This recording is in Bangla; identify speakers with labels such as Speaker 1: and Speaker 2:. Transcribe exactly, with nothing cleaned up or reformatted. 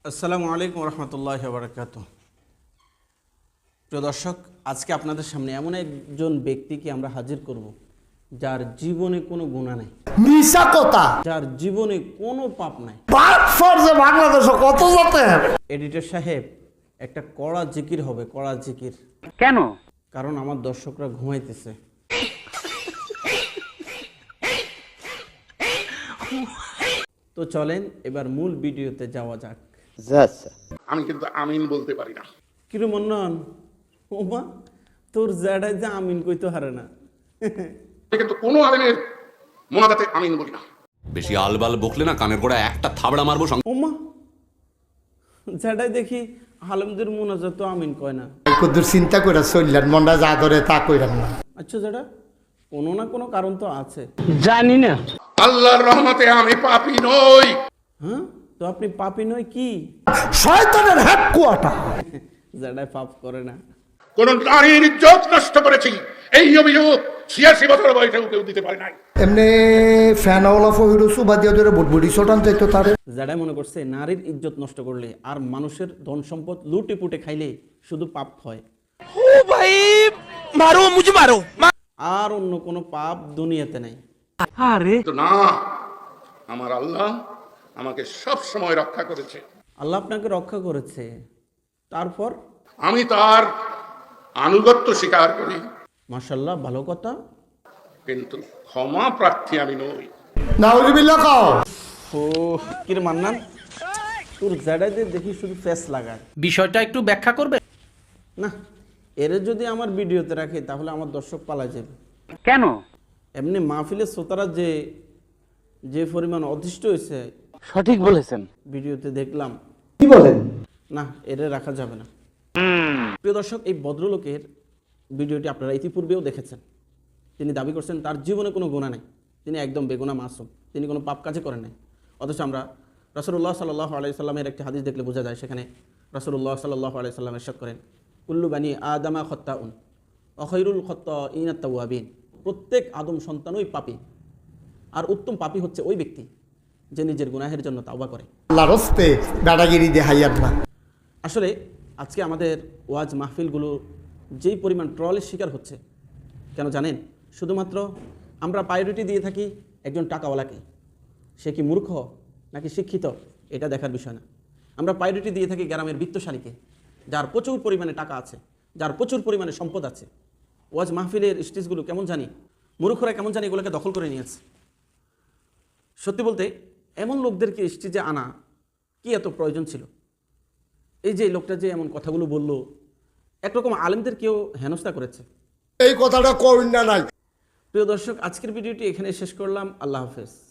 Speaker 1: আসসালামু আলাইকুম রহমতুল্লাহি ওয়া বারাকাতুহু। প্রিয় দর্শক, আজকে আপনাদের সামনে এমন একজন ব্যক্তিকে আমরা হাজির করব যার জীবনে কোনো গুনাহ নাই,
Speaker 2: মিশা কথা,
Speaker 1: যার জীবনে কোনো পাপ নাই।
Speaker 2: পাপ ফরজে বাংলাদেশে কত জাতে।
Speaker 1: এডিটর সাহেব, একটা কড়া জিকির হবে, কড়া জিকির।
Speaker 3: কেন?
Speaker 1: কারণ আমার দর্শকরা ঘুমাইতেছে। তো চলেন এবার মূল ভিডিওতে যাওয়া যাক।
Speaker 4: আমি কিন্তু আমিন বলতে পারি না।
Speaker 1: কিরু মন্নন, ওমা তোর জ্যাডাই যে আমিন কইতে হারে না।
Speaker 4: আমি কিন্তু কোনো আলেমের মোনাজাতে আমিন বলি না।
Speaker 5: বেশি আলবাল বকলে না কানের গোড়া একটা থাবড়া মারবো।
Speaker 1: ওমা জ্যাডাই দেখি আলেমদের মোনাজাত তো আমিন কয় না।
Speaker 2: কদ্দুর চিন্তা করে চললেন, মনটা যা ধরে তা কইরাম না।
Speaker 1: আচ্ছা জ্যাডা, কোনো না কোনো কারণ তো আছে।
Speaker 3: জানি না।
Speaker 4: আল্লাহর রহমতে আমি পাপী নই।
Speaker 1: হ্যাঁ, তো আপনি পাপী নয় কি?
Speaker 2: শয়তানের হেড কোয়াটা।
Speaker 1: জ্যাডাই পাপ করে না।
Speaker 4: কোন নারীর ইজ্জত নষ্ট করেছি এই অভিযোগ ছিয়াশি বছর বয়সেও কেউ দিতে পারে নাই।
Speaker 2: এমনি ফ্যানওয়ালা ফহিরু সুবা দিয়ে ধরে বুটবুড়ি ছোটান চাইতো তারে।
Speaker 1: জ্যাডাই মনে করছে নারীর ইজ্জত নষ্ট করলে আর মানুষের ধন সম্পদ লুটে পুটে খাইলে শুধু পাপ হয়,
Speaker 6: ও ভাই মারো মুঝে মারো।
Speaker 1: আর অন্য কোনো পাপ দুনিয়াতে নেই।
Speaker 3: আরে
Speaker 4: তো না, আমার আল্লাহ আমাকে সব সময় রক্ষা করেছে।
Speaker 1: আল্লাহ আপনাকে রক্ষা করেছে, তারপর
Speaker 4: আমি তার আনুগত্য স্বীকার করি,
Speaker 1: মাশাআল্লাহ, ভালো কথা।
Speaker 4: কিন্তু ক্ষমা প্রার্থী আমি নই।
Speaker 2: নাউজুবিল্লাহ কও।
Speaker 1: ও কিরে মান্নান, তোর জ্যাডাইদের দেখি শুধু ফেস লাগায়।
Speaker 6: বিষয়টা একটু ব্যাখ্যা করবে?
Speaker 1: না, এরে যদি আমার ভিডিওতে রাখে তাহলে আমার দর্শক পালা যাবে।
Speaker 3: কেন?
Speaker 1: এমনি মাহফিলের শ্রোতারা যে যে পরিমাণ অতিষ্ঠ হয়েছে
Speaker 3: সঠিক বলেছেন।
Speaker 1: ভিডিওতে দেখলাম।
Speaker 2: কি বলেন?
Speaker 1: না, এরে রাখা যাবে না। প্রিয় দর্শক, এই ভদ্রলোকের ভিডিওটি আপনারা ইতিপূর্বেও দেখেছেন। তিনি দাবি করছেন তার জীবনে কোনো গুনাহ নেই, তিনি একদম বেগুনা মাসুম, তিনি কোনো পাপ কাজে করেন নাই। অথচ আমরা রাসূলুল্লাহ সাল্লাল্লাহু আলাইহি সাল্লামের একটি হাদিস দেখলে বোঝা যায়, সেখানে রাসূলুল্লাহ সাল্লাল্লাহু আলাইহি সাল্লাম ইরশাদ করেন, কুল্লু বানি আদামা খাত্তাউন ওয়া খায়রুল খাত্তাইনা আত-তাওয়াবিন। প্রত্যেক আদম সন্তানই পাপী, আর উত্তম পাপী হচ্ছে ওই ব্যক্তি যে নিজের গুনাহের জন্য তাওবা করে।
Speaker 2: আল্লাহর রাস্তে দাদাগিরি দেখাইয়ার না।
Speaker 1: আসলে আজকে আমাদের ওয়াজ মাহফিলগুলো যেই পরিমাণ ট্রলের শিকার হচ্ছে, কেন জানেন? শুধুমাত্র আমরা প্রায়োরিটি দিয়ে থাকি একজন টাকাওয়ালাকে, সে কি মূর্খ নাকি শিক্ষিত এটা দেখার বিষয় না। আমরা প্রায়োরিটি দিয়ে থাকি গ্রামের বিত্তশালীকে, যার প্রচুর পরিমাণে টাকা আছে, যার প্রচুর পরিমাণে সম্পদ আছে। ওয়াজ মাহফিলের স্টেজগুলো কেমন জানি, মূর্খরা কেমন জানি এগুলোকে দখল করে নিয়েছে। সত্যি বলতে এমন লোকদেরকে স্টেজে আনা কি এত প্রয়োজন ছিল? এই যে লোকটা যে এমন কথাগুলো বলল, একরকম আলেমদেরকেও হেনস্থা করেছে।
Speaker 2: এই কথাটা কইন না নাই।
Speaker 1: প্রিয় দর্শক, আজকের ভিডিওটি এখানে শেষ করলাম। আল্লাহ হাফেজ।